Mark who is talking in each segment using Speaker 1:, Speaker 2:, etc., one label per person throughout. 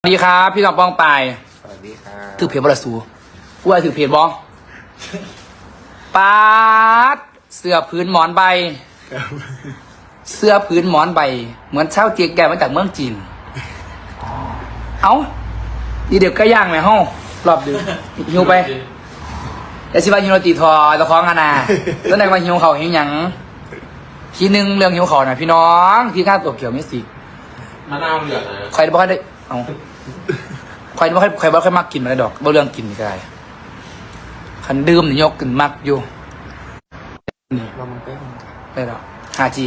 Speaker 1: สวัสดีครับพี่น้องป้องปาย
Speaker 2: สวัสดีครับ
Speaker 1: ถือเพจบรสูกูว่าถือเพจบอปาดเสื้อพื้นหมอนใบ
Speaker 2: ครับ
Speaker 1: เสื้อพื้นหมอนใบ เหมือนเช่าเจียงแกมาจากเมืองจีน เอาดีเด็กก็ย่างไหมห้องรอบดึกหิวไปแต่สิว่าหิวโรตีทอตะคองอานาแล้วไหนมาหิวเขาหิวหยังทีนึงเรื่องหิวเขาน่ะพี่น้องที่ข้าตัวเกี่ยวไม่สิ
Speaker 3: มะนาวเหลืองนะ
Speaker 1: ใครบ่ค่อยได้เอาใครบ่ค่อยมักกินอะไรดอกบ่เรื่องกินนี่ก็ได้คันดื่มนี่ยกขึ้นมักอยู่นี่
Speaker 2: เรามันเป็น
Speaker 1: ได้แล้ว 5G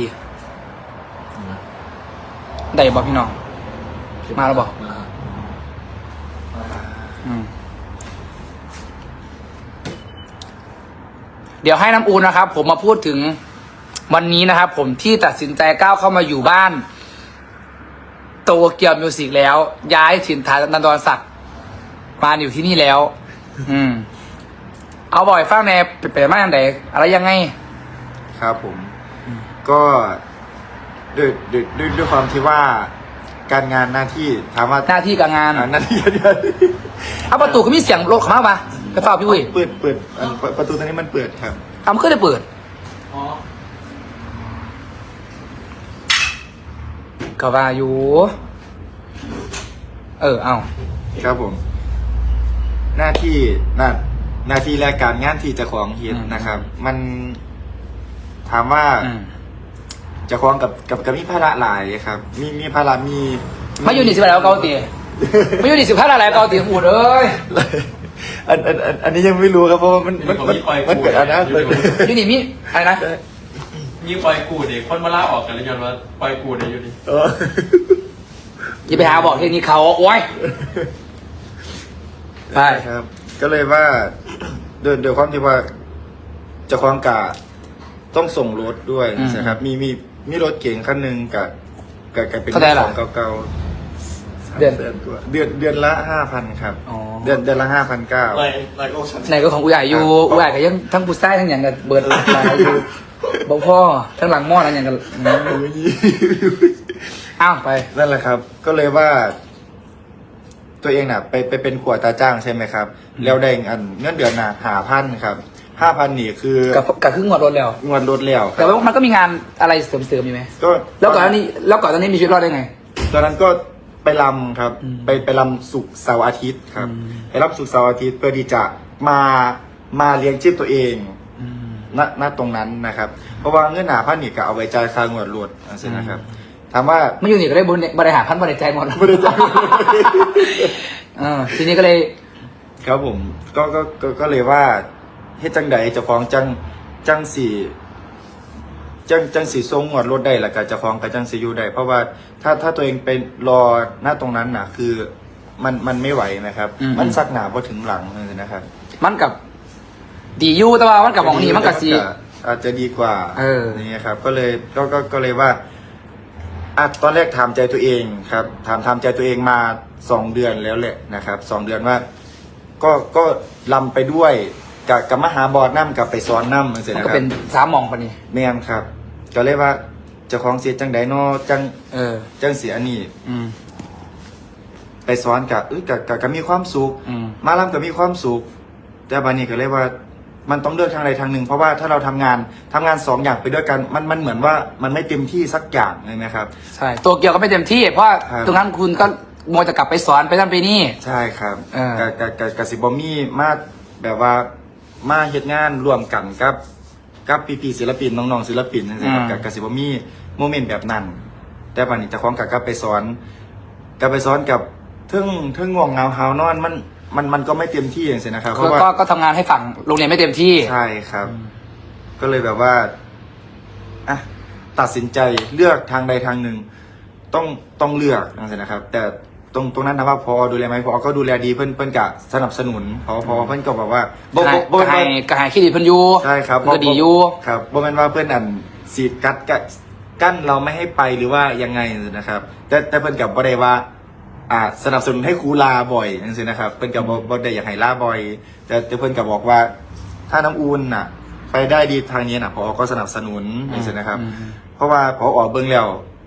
Speaker 1: ได้บ่พี่น้อง มาแล้วบ่อืมเดี๋ยวให้น้ำอูนนะครับ ผมมาพูดถึงวันนี้นะครับ ผมที่ตัดสินใจก้าวเข้ามาอยู่บ้านโตเกียวมิวสิกแล้ว ย้ายถิ่นฐานนันดรศักดิ์มาอยู่ที่นี่แล้ว อืม เอาบ่อยฟังแนเป็นมาอย่างไรอะไรยังไง
Speaker 2: ครับผม ก็ด้วยความที่ว่าการงานหน้าที่ถามว่า
Speaker 1: หน้าที่การงาน
Speaker 2: หน้าที่
Speaker 1: เอาประตูก็มีเสียงรถเข้ามาปะไปเฝ้าพี่วุ้ย
Speaker 2: เปิดประตูตรงนี้มันเปิดครับ
Speaker 1: เอามันก็ได้เปิด
Speaker 3: อ๋อ
Speaker 1: ก็ว่าอยู่ เอา
Speaker 2: ครับผม หน้าที่หน้าที่และการงานที่เจะของเฮ็ดนะครับ มันถามว่า
Speaker 1: อืม
Speaker 2: เจะของกับมีภาระหลายครับ มีภาระมี
Speaker 1: มาอยู่นี่สิบแล้วเกาตีมาอยู่นี่สิบห้าอะไรเกาตีอูดเอ้ย
Speaker 2: อันนี้ยังไม่รู้ครับเพราะว่ามันเกิดอันนั้น
Speaker 1: อยู่นี่มีอะไรนะ
Speaker 3: มีปล่อยกูเด็กคนมาล่าออกกันเลยย้อนว่าปล่อยกูเด็กอยู่นี่
Speaker 1: อย่าไปหาบอกเรื่องนี้เขาโอ้ย ไป
Speaker 2: ครับ ก็เลยว่าโดยความที่ว่าเจะคล้าของกะต้องส่งรถด้วยนะครับ มีรถเก๋งคันหนึ่งกับเป็นของเก่าๆเดือนละ5,000ครับ
Speaker 1: อ๋อ
Speaker 2: เดือนละ5,900
Speaker 3: ไลโอชัน
Speaker 1: ไหนก็ของอุยายอยู่อุยายก็ยังทั้งผู้ใต้ทั้งอย่างกับเบิร์ดหลายอยู่บอกพ่อทั้งหลังหม้อทั้งอย่างกับอ้าวไป
Speaker 2: นั่นแหละครับ ก็เลยว่า ตัวเองน่ะ ไปเป็นขวดตาจ้างใช่ไหมครับ แล้วได้เงินเดือนน่ะ5,000ครับ5,000นี่คือ
Speaker 1: กับครึ่งงวดรถแล้ว
Speaker 2: งวดรถแล้วค
Speaker 1: แต่
Speaker 2: รับ
Speaker 1: ว่ามันก็มีงานอะไรเสริมๆอยู่ไหม
Speaker 2: ก็
Speaker 1: แล้วก่อนหน้านี้มีชีวิตรอดได้ไง
Speaker 2: ตอนนั้นก็ไปรำครับ
Speaker 1: อืม
Speaker 2: ไปรำศุกร์เสาร์อาทิตย์ครับ
Speaker 1: อืม
Speaker 2: ไปรับศุกร์เสาร์อาทิตย์เพื่อที่จะมาเลี้ยงชีพตัวเองณตรงนั้นนะครับ เพราะว่าเงินหาพันนี่ก็เอาไว้จ่ายค่างวดรถใช่นะครับ ถามว่า
Speaker 1: ไม่อยู่นี่ก็ได้บริหารพันบริใจหมด
Speaker 2: ไม่ได้จ่าย
Speaker 1: ทีนี้ก็เลย
Speaker 2: ครับผมก็เลยว่าเฮ็ดจังใดเจ้าของจังสี่ทรงงวดรถได้แล้วก็เจ้าของก็จังสิอยู่ได้เพราะว่าถ้าตัวเองไปรอหน้าตรงนั้นน่ะ คือมันไม่ไหวนะครับ มันซักหนาพอถึงหลังเลยนะครับ
Speaker 1: มันกับดีอยู่แต่ว่ามันกับของนี้มันกับสี
Speaker 2: อาจจะดีกว่า นี่ครับ ก็เลยว่าตอนแรกถามใจตัวเองครับถามใจตัวเองมา2 เดือนแล้วแหละนะครับ2 เดือนว่า ก็ลำไปด้วยกับมหาบอดน้ำกับไปซ้อนน้ำเสร็จ
Speaker 1: มัน
Speaker 2: นะ
Speaker 1: ก็
Speaker 2: ครั
Speaker 1: เป็น
Speaker 2: บ
Speaker 1: สามหมองปะนี่
Speaker 2: แม่นครับ ก็เลยว่าเจ้าของเสียจังไดนอจังเสียนี่
Speaker 1: อืม
Speaker 2: ไปซ้อนกับมีความสุข
Speaker 1: อืม
Speaker 2: มาลำกับมีความสุขแต่บานี้ก็เลยว่า มันต้องเลือกทางใดทางหนึ่ง เพราะว่าถ้าเราทำงาน2 อย่างไปด้วยกันมันเหมือนว่ามันไม่เต็มที่สักอย่างเลยนะครับ
Speaker 1: ใช่ตัวเกียวก็ไม่เต็มที่ เพราะ
Speaker 2: ครับ
Speaker 1: ตรงนั้นคุณก็โมวจะกลับไปสอนไปนั่นไปนี่
Speaker 2: ใช่ครับ
Speaker 1: เออ
Speaker 2: กับสิบอมี่มาแบบว่ามาเฮ็ดงานร่วมกันกับพี่ศิลปินน้องๆศิลปินนะครับกับสิบอมี่โมเมนต์แบบนั้น แต่บัดนี้เจะคล้าของกับไปสอนกับเทิงง่วงเหงาหาวนอนมันก็ไม่เต็มที่อย่างเงี้ยนะครับเพราะว่า
Speaker 1: ก็ทำงานให้ฝั่งโรงเรียนไม่เต็มที่
Speaker 2: ใช่ครับ ก็เลยแบบว่าตัดสินใจเลือกทางใดทางหนึ่ง ต้องเลือกนะครับ แต่ตรงนั้นถามว่าพอดูแลไหมพอก็ดูแลดีเพื่อนกะสนับสนุนพอเพื่อนก็บอกว่า
Speaker 1: ก็ให้ขี้ดีเพันอยู
Speaker 2: ใช่ครับ
Speaker 1: ก็ดีอยู่
Speaker 2: ครับบ่แม่นว่าเพื่อนสีดกั้นเราไม่ให้ไปหรือว่ายังไงนะครับ แต่เพื่อนกับบ่ได้ว่าสนับสนุนให้ครูลาบ่อยนั่นสินะครับ เพื่อนกับบ่ได้อยากให้ลาบ่อย แต่เพื่อนกับบอกว่า ถ้าน้ำอูนไปได้ดีทางนี้พอก็สนับสนุนนั่นสินะครับ เพราะว่าพอเบิ่งแล้ว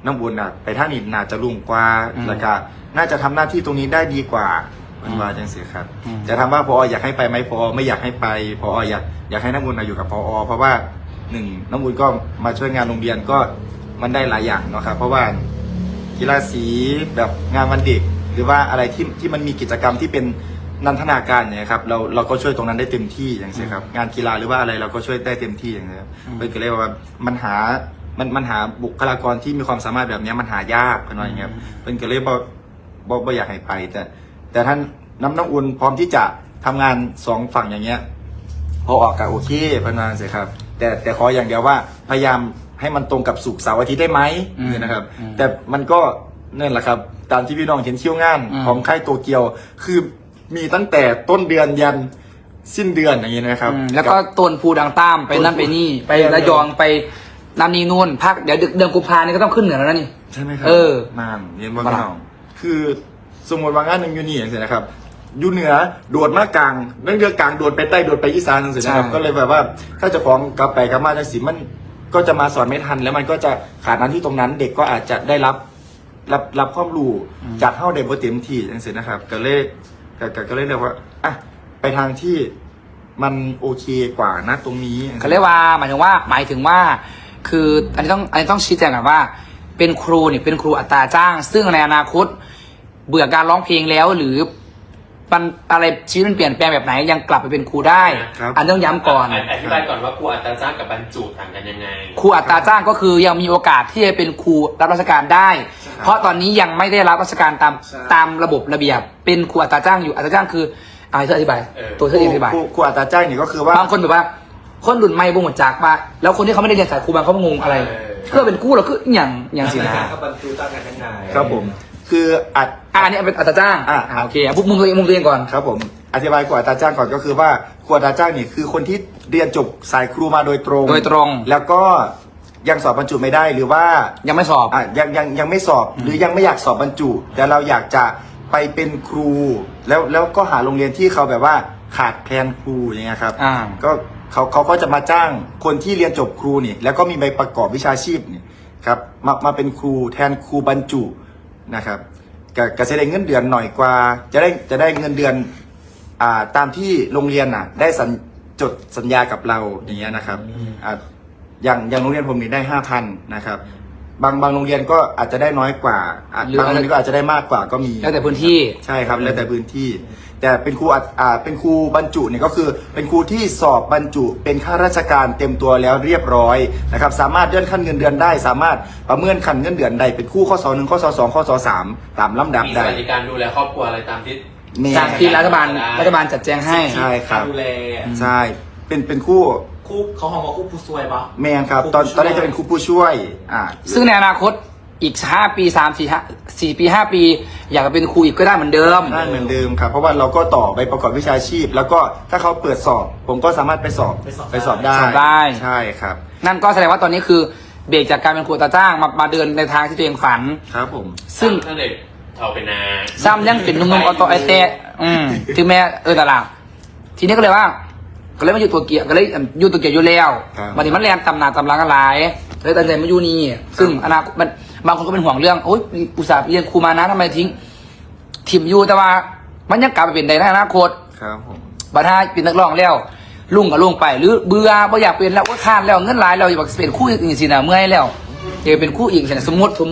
Speaker 2: น้ำอุ่นน่ะไปทางนี้น่าจะรุ่งกว่าแล้วก็น่าจะทำหน้าที่ตรงนี้ได้ดีกว่ามันว่าจังซี่ครับจะถามว่าพออยากให้ไปไหมพอไม่อยากให้ไปพออยากให้น้ำอุ่นอยู่กับพอเพราะว่าหนึ่งน้ำอุ่นก็มาช่วยงานโรงเรียนก็มันได้หลายอย่างเนาะครับเพราะว่ากีฬาสีแบบงานวันเด็กหรือว่าอะไรที่มันมีกิจกรรมที่เป็นนันทนาการเนี่ยครับเราก็ช่วยตรงนั้นได้เต็มที่อย่างเช่นครับงานกีฬาหรือว่าอะไรเราก็ช่วยได้เต็มที่อย่างเงี้ยครับเป็นก็เลยว่ามันหาบุคลากรที่มีความสามารถแบบนี้มันหายากกันหน่อยอย่างเงี้ยครับเป็นก็เลยบ่อยากให้ไปแต่ท่านน้ำอุ่นพร้อมที่จะทำงานสองฝั่งอย่างเงี้ยพอออกกับโอเคพนันเสียครับแต่ขออย่างเดียวว่าพยายามให้มันตรงกับศุกร์เสาร์อาทิตย์ได้ไหมนะครับแต่มันก็นั่นแหละครับตามที่พี่น้องเห็นเที่ยวงานของค่ายโตเกียวคือมีตั้งแต่ต้นเดือนยันสิ้นเดือนอย่างนี้นะครับ
Speaker 1: แล้วก็ต้นภูดังต้ามไปนั่นไปนี่ไประยองไปน้ำนีนู่นภาคเดี๋ยวเดือนกุมภาเนี่ยก็ต้องขึ้นเหนือแล้วนะนี่
Speaker 2: ใช่ไหมครับ นานเรียนว่าพี่น้องคือสมมติว่างานหนึ่งอยู่นี่อย่างเงี้ยนะครับอยู่เหนือโดดมากลางเรื่องเรือกลางโดดไปใต้โดดไปอีสานอย่างเงี้ยนะครับก็เลยแบบว่าถ้าจะฟ้องกลับไปกลับมาจังสิมันก็จะมาสอนไม่ทันแล้วมันก็จะขาดนั้นที่ตรงนั้นเด็กก็อาจจะได้รับความรู้จากเข้าเด็กบ่เต็มที่อย่างเงี้ยนะครับก็เลยเรียกว่าอ่ะไปทางที่มันโอเคกว่านะตรงนี้
Speaker 1: เขาเรียกว่าหมายถึงว่าคืออันนี้ต้องชี้แจงก่อนว่า เป็นครูเนี่ยเป็นครูอัตราจ้าง ซึ่งในอนาคตเบื่อการร้องเพลงแล้วหรือมันอะไรชีวิตมันเปลี่ยนแปลงแบบไหนยังกลับไปเป็นครูได้ อันต้องย้ำก่อน
Speaker 3: อธิบายก่อนว่าครูอัตราจ้างกับบรรจุต่างกันยังไง
Speaker 1: ครูอัตราจ้างก็คือยังมีโอกาสที่จะเป็นครูรับราชการได้ เพราะตอนนี้ยังไม่ได้รับราชการตามระบบระเบียบเป็นครูอัตราจ้างอยู่อัตราจ้างคือเธออธิบายตัวเธออธิบาย
Speaker 2: ครูอัตราจ้างนี่ก็คือว่า
Speaker 1: บางคนแบบว่าคนรุ่นใหม่บ่งหมดจากมาแล้วคนที่เขาไม่ได้เรียนสายครูบางเขางงอะไรเพื่อเป็นครูเราคืออย่างสินะ
Speaker 3: กับบรรจุต่างกันยังไง
Speaker 2: ครับผมคือ
Speaker 1: อันนี้เป็นอัตราจ้างโอเคพวกมึงตัวเองก่อน
Speaker 2: ครับผมอธิบายครูอัตราจ้างก่อนก็คือว่าครูอัตราจ้างนี่คือคนที่เรียนจบสายครูมาโดยตรงแล้วก็ยังสอบบรรจุไม่ได้หรือว่า
Speaker 1: ยังไม่สอบ
Speaker 2: ยังไม่สอบหรือยังไม่อยากสอบบรรจุแต่เราอยากจะไปเป็นครูแล้วก็หาโรงเรียนที่เขาแบบว่าขาดแคลนครูอย่างเงี้ยครับก็เขาก็จะมาจ้างคนที่เรียนจบครูนี่แล้วก็มีใบประกอบวิชาชีพนี่ครับมาเป็นครูแทนครูบรรจุนะครับก็จะได้เงินเดือนหน่อยกว่าจะได้เงินเดือนตามที่โรงเรียนได้จดสัญญากับเราอย่างเงี้ยนะครับอย่างโรงเรียนผมนี่ได้ 5,000 นะครับบางโรงเรียนก็อาจจะได้น้อยกว่าบางโรงเรียนก็อาจจะได้มากกว่าก็มี
Speaker 1: แล้วแต่พื้นที่
Speaker 2: ใช่ครับแล้วแต่พื้นที่แต่เป็นครูบรรจุเนี่ยก็คือเป็นครูที่สอบบรรจุเป็นข้าราชการเต็มตัวแล้วเรียบร้อยนะครับสามารถเลื่อนขั้นเงินเดือนได้สามารถประเมินขั้นเงินเดือนได้เป็นคู่ข้อสอ1ข้อสอ2ข้อสอ3ตามลำดับได้
Speaker 3: มีสวัสดิการดูแลครอบครัวอะไรตามที่
Speaker 1: จากที่รัฐบาลจัดแจงให้
Speaker 2: ใช่ครับ
Speaker 3: ดูแล
Speaker 2: ใช่เป็นคู่
Speaker 3: เขาหอมว่าคู่ผู้ช่วยปะ
Speaker 2: แม่ครับตอนแรกจะเป็นคู่ผู้ช่วย
Speaker 1: ซึ่งในอนาคตอีก5 ปี4 ปี 5 ปีอยากจะเป็นครูอีกก็ได้เหมือนเดิม
Speaker 2: ครับเพราะว่าเราก็ต่อใบประกอบวิชาชีพแล้วก็ถ้าเขาเปิดสอบผมก็สามารถไปสอบได้ใช่ครับ
Speaker 1: นั่นก็แสดงว่าตอนนี้คือเบรกจากการเป็นครูตาจ้างมาเดินในทางที่ตัวเองฝัน
Speaker 2: ครับผม
Speaker 1: ซึ่ง
Speaker 3: เด็กเอาไปนา
Speaker 1: ซ้ำยังเป็นนุ่มๆออโตไอเตะถึงแม้ตลาดทีนี้ก็เลยว่าก็เลยมาอยู่ตัวเกียร์ก็เลยอยู่ตัวเกียร์อยู่แล้ววันนี้มันแรงตำหนาตำลังกันหลายเลยตัดใจมาอยู่นี่ซึ่งอนาคตมันบางคนก็เป็นห่วงเรื่องโอ๊ยอุตส่าห์เรียนครูมานะทำไมทิ้งถิ่มอยู่แต่ว่ามันยังกลับไปเป็นในอนาคต
Speaker 2: ครับผม
Speaker 1: บัดถ้าเป็นนักร้องแล้วลุงก็ลุงไปหรือเบื่อไม่อยากเป็นแล้วก็ข้านแล้วเงินหลายเราอยากเป็นคู่อีกสินะเมื่อยแล้วอยากเป็นคู่อีกสินะสมมติ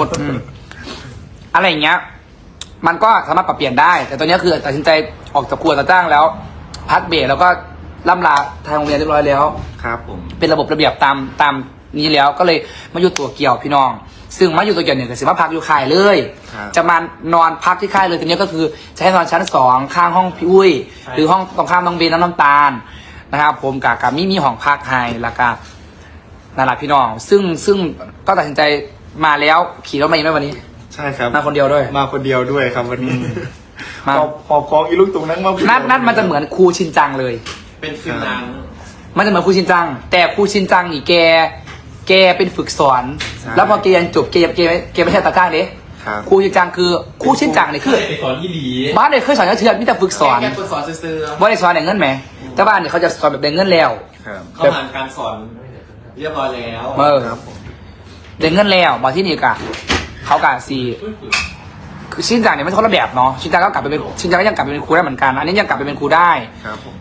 Speaker 1: อะไรอย่างเงี้ยมันก็สามารถปรับเปลี่ยนได้แต่ตอนนี้คือตัดสินใจออกจากครัวตาจ้างแล้วพักเบรกแล้วก็ล่ำลาทางโรงเรียนเรียบร้อยแล้ว
Speaker 2: ครับผม
Speaker 1: เป็นระบบระเบียบตามนี้แล้วก็เลยมาอยู่ตัวเกี่ยวพี่น้องซึ่งมาอยู่ตัวเกี่ยวเนี่ยก็สิมาพักอยู่ค่ายเลยจะมานอนพักที่ค่ายเลยทีนี้ก็คือจะให้นอนชั้น2ข้างห้องพี่อุ้ยหรือห้องตรงข้ามน้องเบนน้ำตาลนะครับผมกับมีห้องพักให้แล้วก็นั่นแหละพี่น้องซึ่งก็ตัดสินใจมาแล้วขี่รถมาอีกไหมวันนี้
Speaker 2: ใช่ครับ
Speaker 1: มาคนเดียวด้วย
Speaker 2: ครับวันนี้พอของอีลูกตรงนั้นมา
Speaker 1: นัดมันจะเหมือนครูชินจังเลย
Speaker 3: เป็นฟิลนาง
Speaker 1: มันจะเหมือนครูชินจังแต่ครูชินจังนี่แกเป็นฝึกสอนแล้วพอแกเรียนจบแกไม่ใช่ตาจ้างเลยครูชินจังคือครูชินจังนี่คือ
Speaker 3: สอนยี่หลี
Speaker 1: บ้านเนี่ยเคยสอนเชื่อมีแต่ฝึกสอน
Speaker 3: แกฝึกสอนซื่อๆ
Speaker 1: ว่าได้สอนอย่างเงินไหมแต่บ้านเนี่ยเขาจะสอนแบบเป็นเงินแล้ว
Speaker 3: เขาผ่านการสอนเรียบร้อยแล้ว
Speaker 1: เดินเงินแล้วมาที่นี่กะเขากะซีคือชินจังเนี่ยมันคนละแบบเนาะชินจังก็กลับไปเป็นชินจังก็ยังกลับไปเป็นครูได้เหมือนกัน อันนี้ยังกลับไปเป็นครูได้
Speaker 2: ครับผม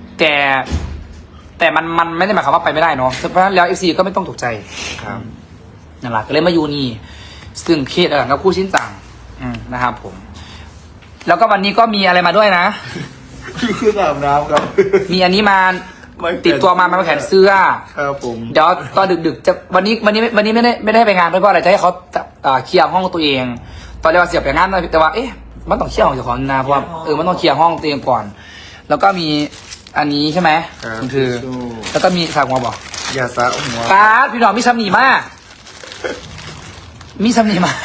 Speaker 1: แต่มันไม่ได้หมายความว่าไปไม่ได้เนาะเพราะฉะนั้นแล้ว FC ก็ไม่ต้องตกใจ
Speaker 2: ครับ
Speaker 1: นั่นแหละก็เลยมาอยู่นี่ซึ่งเคสกับคู่ชินจังนะครับผม แล้วก็วันนี้ก็มีอะไรมาด้วยนะ
Speaker 2: คืออาบน้ำครับ
Speaker 1: มีอันนี้มา
Speaker 2: ไม่แขวน
Speaker 1: ติดตัวมาแขวนเสื้อ
Speaker 2: ครับผม
Speaker 1: เดี๋ยวตอนดึกๆจะวันนี้ไม่ได้ไปงานเพราะอะไรจะให้เขาเคลียร์ห้องตัวเอง ตอนแรกว่าเสียไปงานแต่ว่าเอ๊ะมันต้องเคลียร์ห้องเจ้าของนะเพราะว่ามันต้องเคลียร์ห้องตัวเองก่อน แล้วก็มีอันนี้ใช่ไหม
Speaker 2: ครับ
Speaker 1: มันคือ แล้วก็มีสากหัวบอก
Speaker 2: อย่าสระหัว
Speaker 1: ป้าพี่น้องมีซ้ำหนีมากมีซ้ำหนีมาก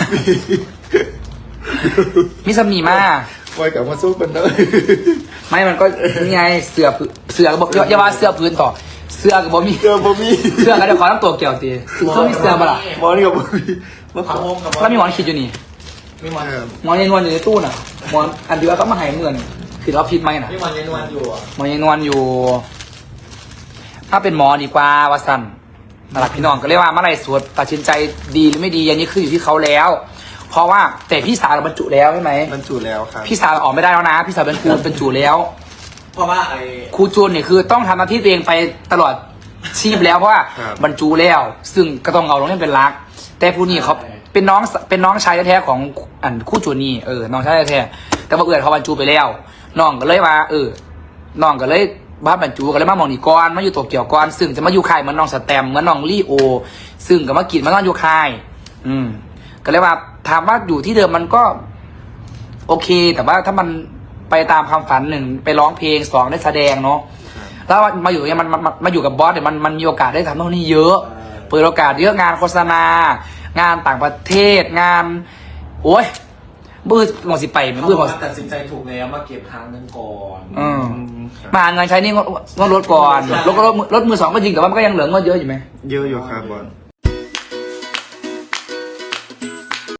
Speaker 1: มีซ้ำหนีมาก
Speaker 2: ไว้กับมาสู้กันเลย
Speaker 1: ไม่มันก็นี่ไงเสือก็บอกอย่าว่าเสือพื้นต่อเสือกับบ่มี
Speaker 2: เจอผมมี
Speaker 1: เสือก็เดี๋ยวขอตั้งตัวเกี่ยวตีเสือมีเสือมาล่ะ
Speaker 2: หมอนี่กับผมมีมา
Speaker 3: พาโฮมกับ
Speaker 1: แล้วมีหมอนขีดอยู่นี่
Speaker 3: มีมัน
Speaker 1: หมอนยายนวลอยู่ในตู้น่ะหมอนอันเดียวก็มาหายเงินคือเราพิมพ์ไหมน่ะ
Speaker 3: มีมันยันวันอยู่อ่ะ
Speaker 1: หมอนยายนวลอยู่ ถ้าเป็นหมอดีกว่าวาสันนั่นแหละพี่น้องก็เรียกว่าเมื่อไหรสวดตัดสินใจดีหรือไม่ดีอันนี้คืออยู่ที่เขาแล้ว เพราะว่าแต่พี่สาวเราบรรจุแล้วใช่ไหม
Speaker 2: บรรจุแล้วครับ
Speaker 1: พี่สาวออกไม่ได้แล้วนะพี่สาวเป็นครูบรรจุแล้ว
Speaker 3: เพราะว่าไอ้
Speaker 1: ครูจูนเนี่ยคือต้องทำหน้าที่ตัวเองไปตลอดชีพแล้วเพราะว่าบรรจุแล้ว ซึ่งก็ต้องเอาลงเล่นเป็นรัก แต่ผู้นี้เขาเป็นน้องชายแท้ๆของอันครู่จูนนี่น้องชายแท้ๆแต่ว่าเอื่อนเขาบรรจุไปแล้วน้องก็เลยว่าน้องก็เลยบ้านบรรจุก็เลยมามองนี่ก่อนมาอยู่โตเกียวก่อนซึ่งจะมาอยู่ค่ายเหมือนน้องสแตมเหมือนน้องลี่โอ ซึ่งก็มากินมาต้องอยู่ค่าย ก็เลยว่าถามว่าอยู่ที่เดิมมันก็ โอเค แต่ว่าถ้ามันไปตามความฝันหนึ่งไปร้องเพลงสองได้แสดงเนาะแล้วมาอยู่เนี่ยมันมาอยู่กับบอสเนี่ยมันมีโอกาสได้ทำตรงนี้เยอะ เปิดโอกาสเยอะงานโฆษณางานต่างประเทศงาน โอ้ยบื้อหมดสิไปมันบื้อหมด
Speaker 3: ตัดสินใจถูกแล้วมาเก็บทางนึงก่อน
Speaker 1: มาหาเงินใช้นี่งดรถก่อนรถมือสองก็จริงแต่ว่ามันก็ยังเหลือเงินเยอะอยู่ไหม
Speaker 2: เยอะอยู่ครับบอล